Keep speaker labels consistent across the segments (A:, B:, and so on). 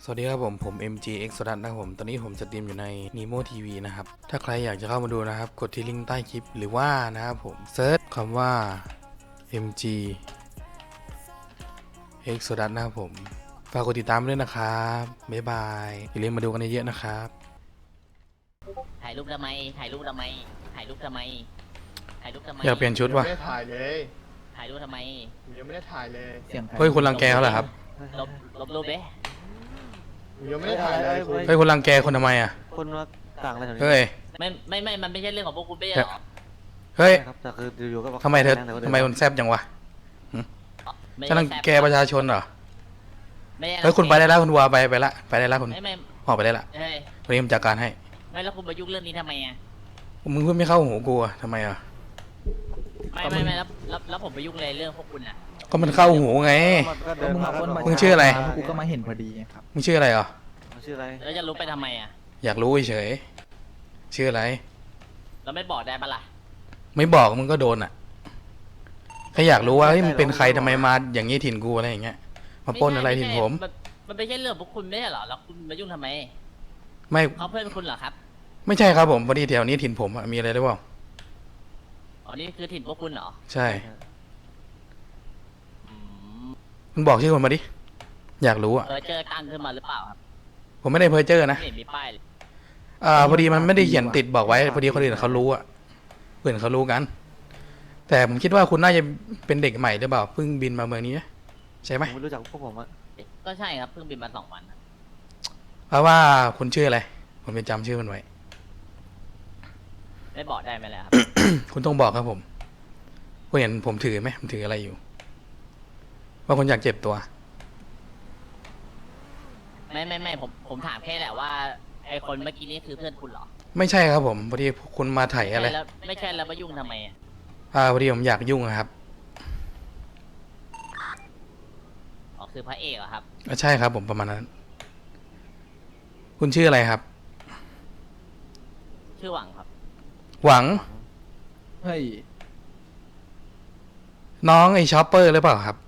A: วัสดีครับผม MGX สดันนะครับผมตอนนี้ผมสตรีมอยู่ใน Nemo TV นะครับถ้าใครอยากจะเข้ามาดูนะครับกดที่ลิงก์ใต้คลิปหรือว่านะครับผมเซิร์ชคำว่า MGX สดันนะครับผมฝากกดติดตามด้วยนะครับบ๊ายบายอย่าลืมมาดูกันเยอะๆนะครับ
B: ถ่ายรูปทำไมถ่ายรูปทำไมถ่ายรูปทำไมถ่ายรูปทำไม
A: อยากเปลี่ยนชุดวะ
C: ไม่ได้ถ่ายเลย
B: ถ่ายรูปทำไม
C: ผมยังไม่ได้ถ่ายเลย
A: เฮ้ยคุณรังแกเขาเหรอครับ
B: ลบรูปเด้
C: ผมยังไม่ได้ถ่ายเลยคุณ
A: เฮ้ยคุณรังแกคนทำไมอ่ะ
D: คนมาต่างอะไรแถวนี้
A: เฮ้ย
B: ไม่มันไม่ใช่เรื่องของพวกคุณไม่ใช่หรอ
A: เฮ้ย
D: ครับแต่คืออยู่ๆก็า
A: ทำไมเธอ
D: แต่ก็ดิ
A: ทำไมคุณแซบจังวะ
B: ไม่
A: จะรังแกประชาชนเหรอ
B: ไม่ใช่
A: เฮ้ยคุณไปได้แล้วคุณวัวไปละไปได้แล้วคุณ
B: ไม่
A: ออกไปได้ละ
B: เฮ้ย
A: วันนี้ผมจัดการให้
B: ไม่แล้วคุณมายุ่งเรื่องนี้ทำไมอ่ะ
A: มึงพูดไม่เข้าหูกูอะทำไมอ่ะ
B: ไม่แล้วผมไปยุ่งอะไรเรื่องพวกคุณอ่ะ
A: ก็มันเข้าหูไง
D: มันก็เดินมา
A: มึงชื่ออะไร
E: กูก็มาเห็นพอดีครับ
A: มึงชื่ออะไรอ่ะ
D: มันชื่ออะไร
B: แล้วจะรู้ไปทำไมอ่ะ
A: อยากรู้เฉยชื่ออะไร
B: เราไม่บอกได้ปะล่ะ
A: ไม่บอกมึงก็โดนอ่ะแค่อยากรู้ว่าเฮ้ยมึงเป็นใครทำไมมาอย่างนี้ถิ่นกูอะไรอย่างเงี้ย มาปล้นอะไรถิ่นผม
B: มันไม่ใช่เรื่องพวกคุณไม่ใช่หรอแล้วคุณมายุ่งทำไม
A: ไม่
B: เขาเพื่อนคุณเหรอครับ
A: ไม่ใช่ครับผมพอดีแถวนี้ถิ่นผมอะมีอะไรหรือเปล่า
B: อ๋อนี่คือถิ่นพวกคุณเหรอ
A: ใช่
B: อืม
A: มึงบอกชื่อคนมาดิ อยากรู้อ่ะ
B: เจอตั้งขึ้นมาหรือเปล่าครับ
A: ผมไม่ได้เพ้อเจ้อนะ
B: ไม่เห็นมีป้ายเลย
A: พอดีมันไม่ได้เขียนติดบอกไว้พอดีคนอื่นเขารู้อ่ะเพื่อนเขารู้กัน แต่ผมคิดว่าคุณน่าจะเป็นเด็กใหม่หรือเปล่าเพิ่งบินมาเมืองนี้นะใช่ไหม
D: ผมไม่รู้จักพวกผมอะ
B: ก็ใช่ครับเพิ่งบินมา2 วันครับ
A: เพราะว่าคุณชื่ออะไรผมจะจำชื่อมันไว้
B: ไม่บอกได้ไหมล่ะครับ
A: คุณต้องบอกครับผมคุณเห็นผมถือไหมผมถืออะไรอยู่ ว่าคุณอยากเจ็บตัว
B: ไม่ผมถามแค่แหละว่าไอคนเมื่อกี้นี่คือเพื่อนคุณเหรอ
A: ไม่ใช่ครับผมพอดีคุณมาไถ่อะไร
B: แล้วไม่ใช่แล้วมายุ่งทำไมอ่ะ
A: พอดีผมอยากยุ่งอะครับ
B: อ๋อคือพระเอกเหรอครับ
A: ใช่ครับผมประมาณนั้น คุณชื่ออะไรครับ
B: ชื่อหวังครับ
A: หวัง
E: เฮ้ย
A: น้องไอชอปเปอร์หรือเปล่าครับ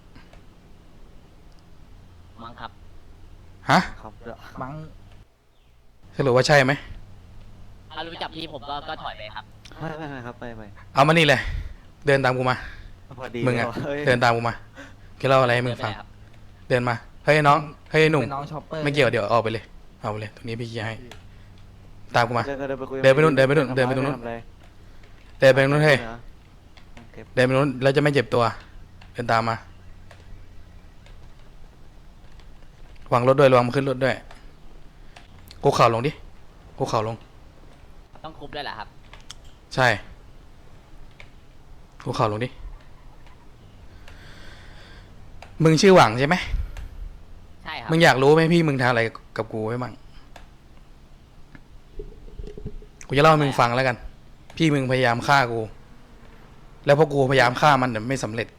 B: มั้งครับ
A: ฮะ
D: ครับเดี๋ยว
E: มั้ง
A: สรุปว่าใช่ไหม
B: ถ้ารู้จักพี่ผมก็ถอยไปครับ
D: ไม่ครับไป
A: เอามานี่เลย เดินตามกูมา
D: พอดี
A: มึงอะ
D: เฮ้ย
A: เดินตามกูมาแกเล่าอะไรให้มึงฟัง
B: ไม่เป็นไรครับ
A: เดินมา เฮ้ยน้อง เฮ้ยหนุ่ม
E: เป็นน้องช็อปเปอร์
A: ไม่เกี่ยวเดี๋ยวออกไปเลยเอาไปเลยตรงนี้พี่เคลียร์ให้ ตามกูมา
D: เดินก็เดินไปคุย
A: เดินไปนู่นเดินไปนู่นเดินไปตรงนู้น
D: ทำอะ
A: เดินไปตรงนู้นเฮ้ย
D: เก็บ
A: เดินไปนู้นแล้วจะไม่เจ็บตัว เดินตามมา วางรถด้วยระวังมันขึ้นรถด้วยกูเข่าลงดิกูเข่าลง
B: ต้องคุบด้วยเหรอครับ
A: ใช่กูเข่าลงดิ มึงชื่อหวังใช่ไหม
B: ใช่ครับ
A: มึงอยากรู้ไหมพี่มึงทำอะไรกับกูไว้มั่งกูจะเล่าให้มึงฟังแล้วกัน พี่มึงพยายามฆ่ากู แล้วพอกูพยายามฆ่ามันแต่ไม่สำเร็จ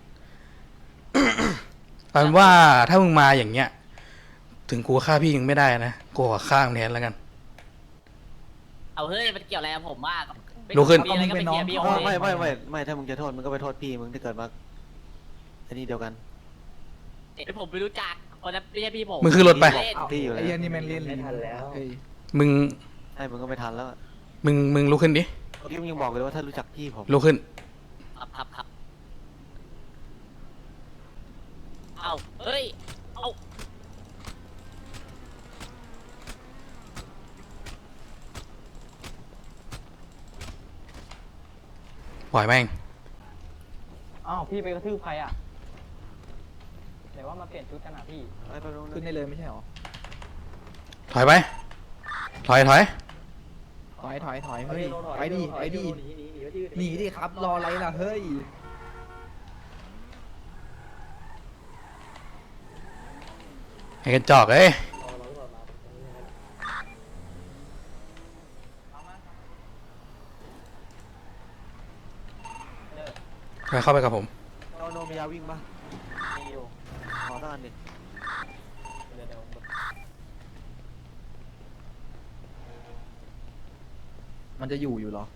A: เอาเป็นว่าถ้ามึงมาอย่างเงี้ย ถึงกูฆ่าพี่ยังไม่ได้นะ กูขอฆ่ามึงแทนแล้วกัน
B: เอาเฮ้ยมันเกี่ยวอะไรกับผมว่า
A: ลุกขึ้น
B: มีอะไรก็ไปเคลียร์พี่
D: อ๋
B: โอ
D: อ
B: เลย
D: ไม่ถ้ามึงจะโทษมึงก็ไปโทษพี่มึงที่เกิดมาไอ้นี่เดียวกัน
B: ผมไม่รู้จักคนนั้นไม่ใช่พี่ผม
A: มึงขึ้นรถไป
B: เล่น
D: พี่อยู่แล้ว
E: ไอ้เหี้ยันนี่แม่งเล่นลิ้นเฮ้ย
A: มึง
D: ให้มึงก็ไม่ทันแล้วอะ
A: มึงลุกขึ้นดิ
D: เมื่อกี้มึงยังบอกเลยว่าถ้ารู้จักพี่ผม
A: ลุกขึ้น
B: ครับเอาเฮ้ยเอา
A: ปล่อยแม่ง
F: อ้าวพี่ไปกระทืบใครอ่ะไหนว่ามาเปลี่ยนชุดกันอ่ะพี่
D: ไปตรง
E: ขึ้นได้เลยไม่ใช่หรอ
A: ถอยไป ถอย
E: ถอยเฮ้ยไปดิหนีดิครับรออะไรล่ะเฮ้ย
A: ไอ้กระจอกเอ้ยไปเข้าไปกับผม
D: เราโนมียาวิ่งปะ
F: มีอยู่
D: ขอตั้งอันดิ
F: เดี๋ยว
E: มันจะอยู่เหรอ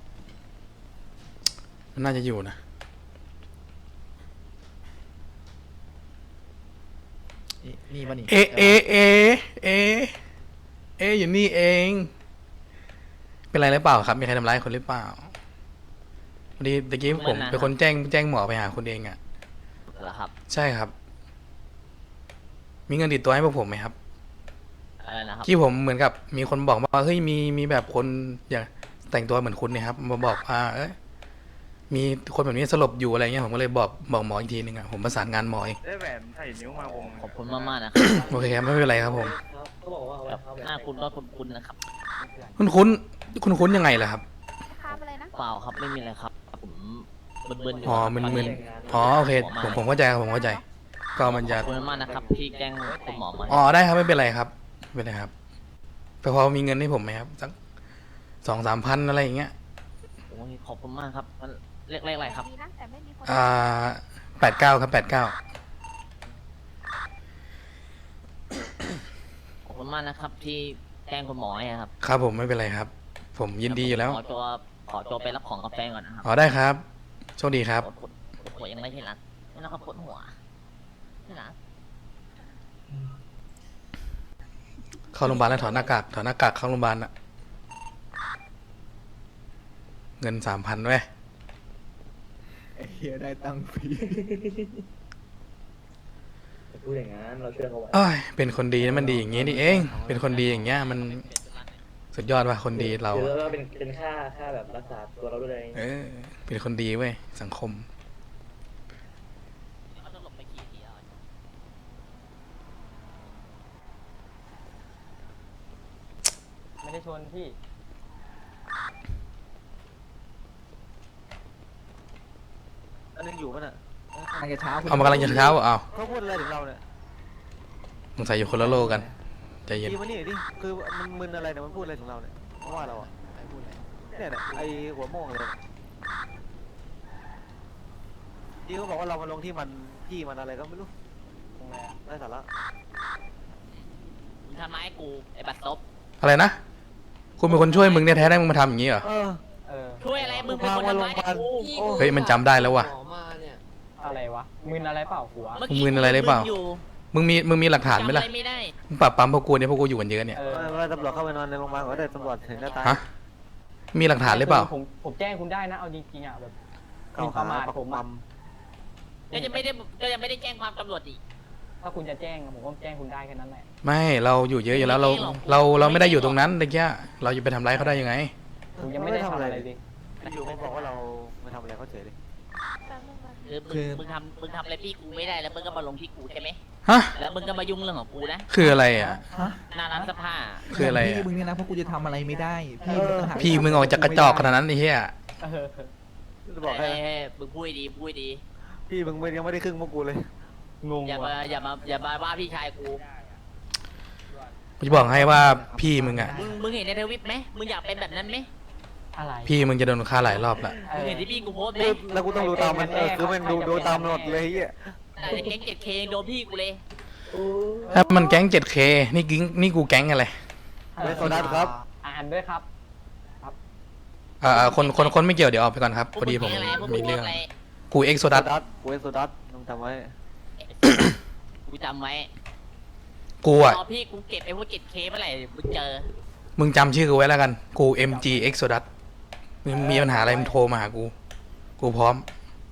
A: มันน่าจะอยู่นะ
E: นี่ป่ะนี่
A: เอเอเอเอเออยู่นี่เอง เป็นไรหรือเปล่าครับ มีใครทำร้ายคนหรือเปล่าพอดีตะกี้ผมเป็นคนแจ้งหมอไปหาคุณเองอ่ะ
B: เหรอครับ
A: ใช่ครับ มีเงินติดตัวให้พวกผมไหมครับ
B: อะไรนะครับ
A: ที่ผมเหมือนกับมีคนบอกว่าเฮ้ยมีแบบคนอยากแต่งตัวเหมือนคุณเนี่ยครับมาบอกว่าเอ้ยมีคนแบบนี้สลบอยู่อะไรเงี้ยผมก็เลยบอกหมออีกทีนึงอ่ะผมประสานงานหมอเอง
C: ได้แหวนใส่นิ้วมาผม
B: ขอบคุณมากๆนะครับ
A: โอเคครับไม่เป็นไรครับผม
B: แบบหน้าคุณก็คุ้นๆนะครับ
A: คุ้นยังไงล่ะครับ
G: ข้ามอะไรนะ
B: เปล่าครับไม่มีอะไรครับผมมึนๆอยู่
A: อ๋อ
B: ครับ
A: มึนอ๋อโอเคผมเข้าใจครับผมเข้าใจ ก็มันจะ
B: ขอบคุณมากนะครับที่แจ้งคุณหมอมา
A: อ๋อได้ครับไม่เป็นไรครับไม่เป็นไรครับแต่พอมีเงินให้ผมไหมครับสัก2-3 พันอะไรอย่างเงี้ย
B: โอ้ยขอบคุณมากครับมันเลขอะไรครับ
G: ดีนะแต่ไม่มีคน
A: 89ครับ89
B: ขอบคุณมากนะครับที่แจ้งคุณหมอให้ครับ
A: ครับผมไม่เป็นไรครับ ผมยินดีอยู่แล้ว
B: ขอตัวไปรับของกาแฟก่อนนะครับ
A: อ๋อได้ครับโชคดีครับ
B: ปวดหัวยังไม่ที่รักไม่ต้องปวดหัวที่รัก
A: เข้าโรงพยาบาลแล้วถอดหน้ากากเข้าโรงพยาบาลอะเงิน3,000เว้ย
E: เฮียได้ตังค์ฟรี
F: พูดอย่างนั้นเราเชื่อเขาไว้
A: เอ้ยเป็นคนดีนะมันดีอย่างงี้นี่เอง เป็นคนดีอย่างเงี้ยมันสุดยอดว่ะคนดีเรา
F: หรือ
A: อะ
F: ว่าเป็นค่าแบบรักษาตัวเราด้วย
A: เออเป็นคนดีเว้ยสังคม
B: เขาจะหลบไปกี่ทีแล้ว
F: ไม่ได้ชนพี่
D: อันนึงอยู่ป่ะน่ะ
E: กำลังจะเช้าคุณ
A: เอามากำลังจะเช้าอ่ะเอา
D: เขาพูดอะไรถึงเราเนี่ย
A: สงสัยอยู่คนละโลกกันใจเย็น
D: พี่มานี่ดิคือมันมึนอะไรเนี่ยมันพูดอะไรถึงเราเนี่ยเพราะว่าเราอะเนี่ยน่ะไอหัวโม่งเลยที่เขาบอกว่าเรามาลงที่มันอะไรก็ไม่รู้
F: ตรงไหนอะ
D: ไร้สาระ
B: มึงทำร้ายกูไอ้บัตรซบ
A: อะไรนะคุณเป็นคนช่วยมึงเนี่ยแท้ได้มึงมาทำอย่างงี้เหรอ
D: เออ
F: เออ
B: ช่วยอะไรมึงเป็นคนทำร้ายกู
D: โอ้
A: เฮ้ยมันจำได้แล้วว่ะ
F: อะไรวะมึนอะไรเปล่าหัว
B: เมื่อกี้
A: มึงอะไรหรือเปล่า
B: มึงอยู่
A: มึงมีหลักฐานไหม
B: จำอะ
A: ล่ะ
B: ไรไม่ได้
A: มึงปรับปั๊มพวกกูเนี่ยพวกกูอยู่กันเยอะเนี่ย
F: เออ
D: ว่าตำรวจเข้าไปนอนในโรงพยาบาลก็ได้ตำรวจเห็นหน้าตา
A: ฮะมีหลักฐานหรือเปล่า
F: ผมแจ้งคุณได้นะเอาจริงๆอ่ะแบบ
D: เก่า
F: ป
D: หา
F: ระมาท
D: ปัก
F: ผม
D: ปั๊
F: อะ
D: ม
B: ก็ยังไม่ได้แจ้งความตำรวจอีก
F: ถ้าคุณจะแจ้งผมก็แจ้งคุณได้แค่นั้นแหละ
A: ไม่เราอยู่เยอะอยู่แล้วเราไม่ได้อยู่ตรงนั้นตะกี้เราจะไปทำร้ายเขาได้ยังไง
F: ผมยังไม่ได้ทำอะไรเลย
D: อยู่เขาบอกว่าเราไม่ทำอะไรเขาเฉยเลย
G: แป๊บนึงนะ
B: คือมึงทำอะไรพี่กูไม่ได้แล้วมึงก็มาลงที่กูใช่ไหม
A: ฮะ
B: แล้วมึงก็มายุ่งเรื่องของกูนะ
A: คืออะไรอ่ะ
E: ฮะ
B: หน้าร้านเสื้อผ้า
A: คืออะไรอะ
E: พี่มึงเนี่ยนะเพราะกูจะทำอะไรไม่ได้ พี่มึงต่างหาก
A: พี่มึงออกจากกระจอกขนาดนั้นไอ้เหี้ย
F: เออ
D: จะบอกให้
B: เฮ้ยมึงพูดดีพูดดี
D: พี่มึงยังไม่ได้ครึ่งพวกกูเลย
F: งง
B: อย่า
F: ว่ะ
B: มาว่าพี่ชายกู
A: กูจะบอกให้ว่าพี่มึงอ่ะ
B: มึงเห็นในทวิตไหมมึงอยากเป็นแบบนั้นไหม
F: อะไร
A: พี่มึงจะโดนฆ่าหลายรอบละ
F: เอ
B: มึง
F: อ
B: เห็นที่พี่กูโพสต์ไหม
D: แล้วกูต้องดูตามมันคือมันดูตามหมดเลยเฮีย
B: แต่แก๊ง 7K ยังโดนพี่กูเลย
A: ถ้ามันแก๊ง 7K นี่กูแก๊งอะไร
D: เวสโซดัสครับ
F: อ่านด้วยครับ
A: คนไม่เกี่ยวเดี๋ยวออกไปก่อนครับพอดีผม
B: พวก
A: มี
B: ง
A: เรื่อง
B: อะไร
A: กูเอ็กโซดัส
D: เวสโซดัสต้องจำไว้
B: กูจำไว้
A: กูอ่ะ
B: พอพี่กูเก็บไอ้พวก 7K เมื่อไหร่มึงเจอ
A: มึงจำชื่อกูไว้แล้วกัน กู MG Exodus มึงมีปัญหาอะไรมึงโทรมาหากู กูพร้อม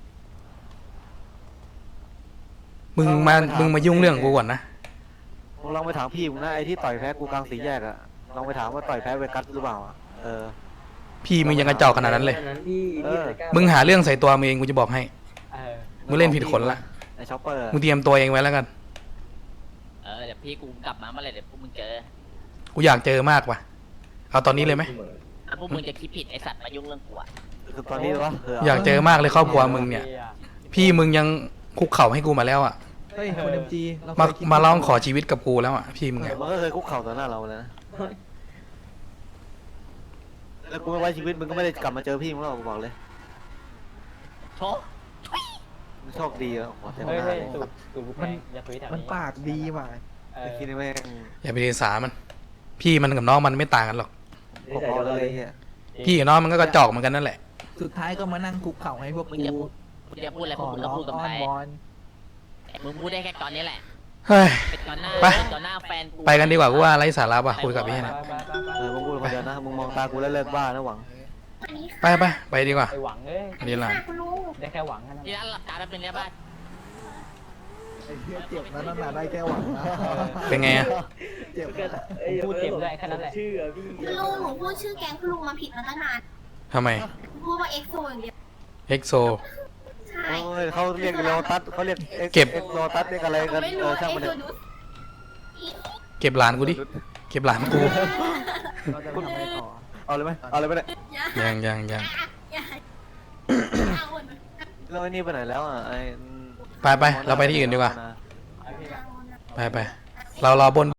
A: มึงมายุ่งเรื่องกูก่อนนะ
D: มึงลองไปถามพี่มึงนะไอ้ที่ต่อยแพ้กูกลางสี่แยกอะลองไปถามว่าต่อยแพ้เวกัสหรือเปล่าอะเออ
A: พี่มึงยังกระจอกขนาดนั้นเลย
D: เออ
A: มึงหาเรื่องใส่ตัวมึงเองกูจะบอกให้
F: เออ
A: มึงเล่นผิดคนละ
D: ไอ้ช็อปเปอร์
A: มึงเตรียมตัวเองไว้แล้วกัน
B: เดี๋ยวพี่กูกลับมาเมื่อไหร่เดี๋ยวพวกมึงเจอ
A: กูอยากเจอมากว่ะ เอาตอนนี้เลยไหม
B: แล้วพวกมึงจะคิดผิดไอ้สัตว์มายุ่งเรื่องกูอะ
D: คือตอนนี้วะ
A: อยากเจอมากเลยครอบครัวมึงเนี่ย พี่มึงยังคุกเข่าให้กูมาแล้วอ่ะ
E: เฮ้ยคนเอ็มจีเรา
A: มา
E: เคยคิด
A: มาร้องขอชีวิตกับกูแล้วอ่ะ พี่มึงอ่ะ
D: มันก็เคยคุกเข่าต่อหน้าเราเลยนะแล้วกูไม่ไว้ชีวิตมึงก็ไม่ได้กลับมาเจอพี่มึงหรอกกูบอกเลย
B: โชว์
D: มึงโชคดีอะขอเต็มห
F: เฮ้ย
D: น้า
F: เฮ้ย
D: เลย
F: ตูดลูกแพงอย่าคุยแถว
E: มัน
F: นี้
E: ปากดีว่ะ
F: เอ
D: ไอ้
F: อ
D: ที่นี่แม่ง
A: อย่าไปเรียนสามัน พี่มันกับน้องมันไม่ต่างกันหรอก
D: พอๆกันเลยเฮีย
A: พี่กับน้องมันก็กระจอกเหมือนกันนั่นแหละ
E: สุดท้ายก็มานั่งคุกเข่าให้พวก
B: มึง
E: กู
B: จะพูดอะไรพ
E: ข
B: วก
E: อ
B: มึง
E: ร้
B: ก็
E: อง
B: พูดกับ
E: อ้อ
B: ใคร
E: นวอน
B: มึงพูดได้แค่ตอนนี้แหละ
A: เฮ้ย
B: เป็นต่อหน้า
A: ไป
B: เป็นต่อหน้าแฟนกู
A: ไปกันดีกว่ากูว่าไร้สาระว่ะคุยกับพี่เนี่ย
D: มึงพูดคนเดียวนะมึงมองตากูแล้วเลิกบ้านะหวัง
A: ไปดีกว่า
F: ไอหวังเอ้ย
A: ดีละ
F: ได้แค่หวังแค่นั้น
B: ที่ร้านหลับตาแล้วเป็นเนี้ยบ้าน
E: ไอ้เหี้ยเจ็บนะนั่นน่ะได้แค่หวังนะ
A: เป็นไงอะ
E: เจ็บนะ
F: พูดเจ็บด้วยแค่นั้นแหละ
G: คุณลุงหนูพูดชื่อแก๊งคุณลุงมาผิดมาตั้งนาน
A: ทำไม
G: พูดว่าเอ็กโซอย่างเดียว
A: เอ็กโซ
G: ใช่
D: โอ้ยเขาเรียกโลตัสเขาเรียก
A: เก็บ
D: โลตัสเรียกอะไร
G: หนู
D: กัน
G: ไม่รู้
D: ช่าง
G: เอ็
D: มัน
G: ก
D: เถ
G: โซ
D: อะ
G: ดูส
A: เก็บหลานกูดิเก็บหลานกู
E: เราจะไปทำอะไรต่อ
D: เอาเลยไหมเอาเลยไหมเนี่ย
A: ยัง
G: อย่า
D: แล้วไอ้นี่ไปไหนแล้วอ่ะไอ้
A: ไปเราไปที่อื่นดีกว่าไปเรารอบน